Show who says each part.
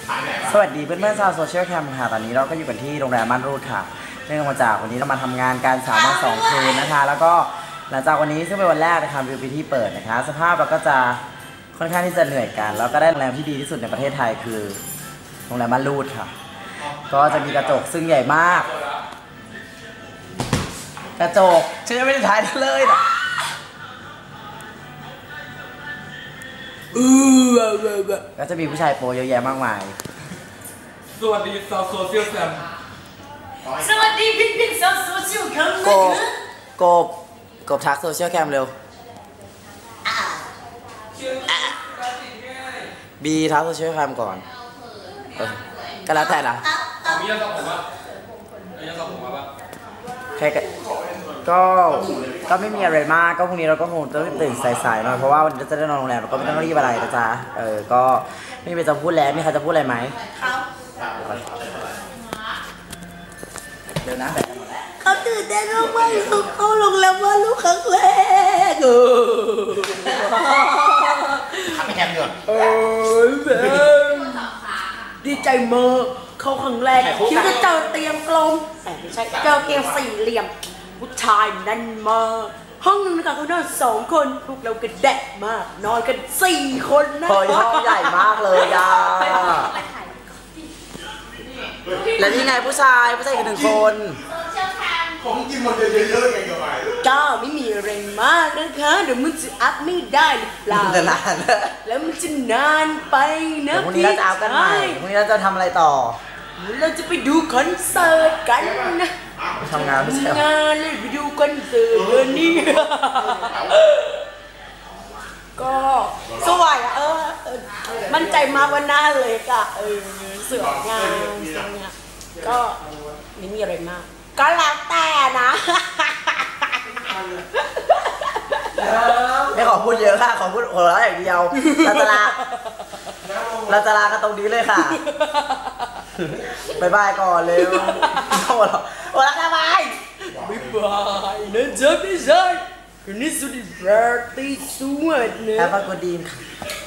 Speaker 1: สวัสดีเพื่อนๆชาวโซเชียลแคมค่ะตอนนี้เราก็อยู่กันที่โรงแรมม่านรูดค่ะเนื่องมาจากวันนี้เรามาทำงานการ3 วัน 2 คืนนะคะแล้วก็หลังจากวันนี้ซึ่งเป็นวันแรกนะคะวิวพิธีเปิดนะคะสภาพเราก็จะค่อนข้างที่จะเหนื่อยกันแล้วก็ได้โรงแรมที่ดีที่สุดในประเทศไทยคือโรงแรมม่านรูดค่ะก็จะมีกระจกซึ่งใหญ่มากกระจกฉันยังไม่ได้ถ่ายเลยนะก็จะมีผู้ชายโปเยอะแยะมากมาย
Speaker 2: สวัสดีชาวโซเชียลแคม
Speaker 3: สวัสดีพี่ๆชาวโซเชียลแคม
Speaker 1: กบทักโซเชียลแคมเร็วบีทักโซเชียลแคมก่อนก็แล้วแต่นะ
Speaker 2: มียาสระผมป่ะมียาสระผมป่ะ
Speaker 1: ใครก็ไม่มีอะไรมากก็พรุ่งนี้เราก็คงต้องตื่นสายๆหน่อยเพราะว่าวันนี้จะได้นอนโรงแรมเราก็ไม่ต้องรีบอะไรนะจ๊ะก็ไม่มีจะพูดแล้วมีใครจะพูดอะไรไหมเดี๋ยวนะแบบหมดแล้ว
Speaker 3: เขาตื่นเต้นมากๆเขาลงแล้วว่าลูกครั้งแรก
Speaker 1: ทำไม่แคมเดือด
Speaker 3: ดีใจมากเขาครั้งแรกคิดว่าเจอเตียงกลมแต่ไม่ใช่เจอเตียงสี่เหลี่ยมผู้ชายนั่นมากห้องนึงนะคะเขานอน2 คนพวกเราก็แดกมากนอนกัน4 คนนะ
Speaker 1: ห้องใหญ่มากเลยอ่ะและนี่ไงผู้ชายอีก1 คน
Speaker 2: ของกินหมดเยอะๆไงกับไป
Speaker 3: ก็ไม่มีอะไรมากนะคะเดี๋ยวมันจะอัพไม่ได้หรือเปล่าแล้วมันจะนานไปนะ
Speaker 1: พรุ่งนี้เราจะเอากันใหม่พรุ่งนี้เราจะทำอะไรต่อ
Speaker 3: เราจะไปดูคอนเสิร์ตกันนะ
Speaker 1: ทำงานไม่ใช่
Speaker 3: งานเลยไปดูคอนเสิร์ตนี่ก็สวยมั่นใจมากว่าหน้าเลยก็สวยงามก็ไม่มีอะไรมากก็แล้วแต่นะ
Speaker 1: ไม่ขอพูดเยอะค่ะขอพูดหัวเราะอย่างเดียวเราจะลากันตรงนี้เลยค่ะบายบายก่อนเร็วหัวเราะกันบาย
Speaker 3: บายนะจ๊ะพี่ชายคืนนี้สุดยอดที่สุดนะ
Speaker 1: แฮปปี้กูดีนค่ะ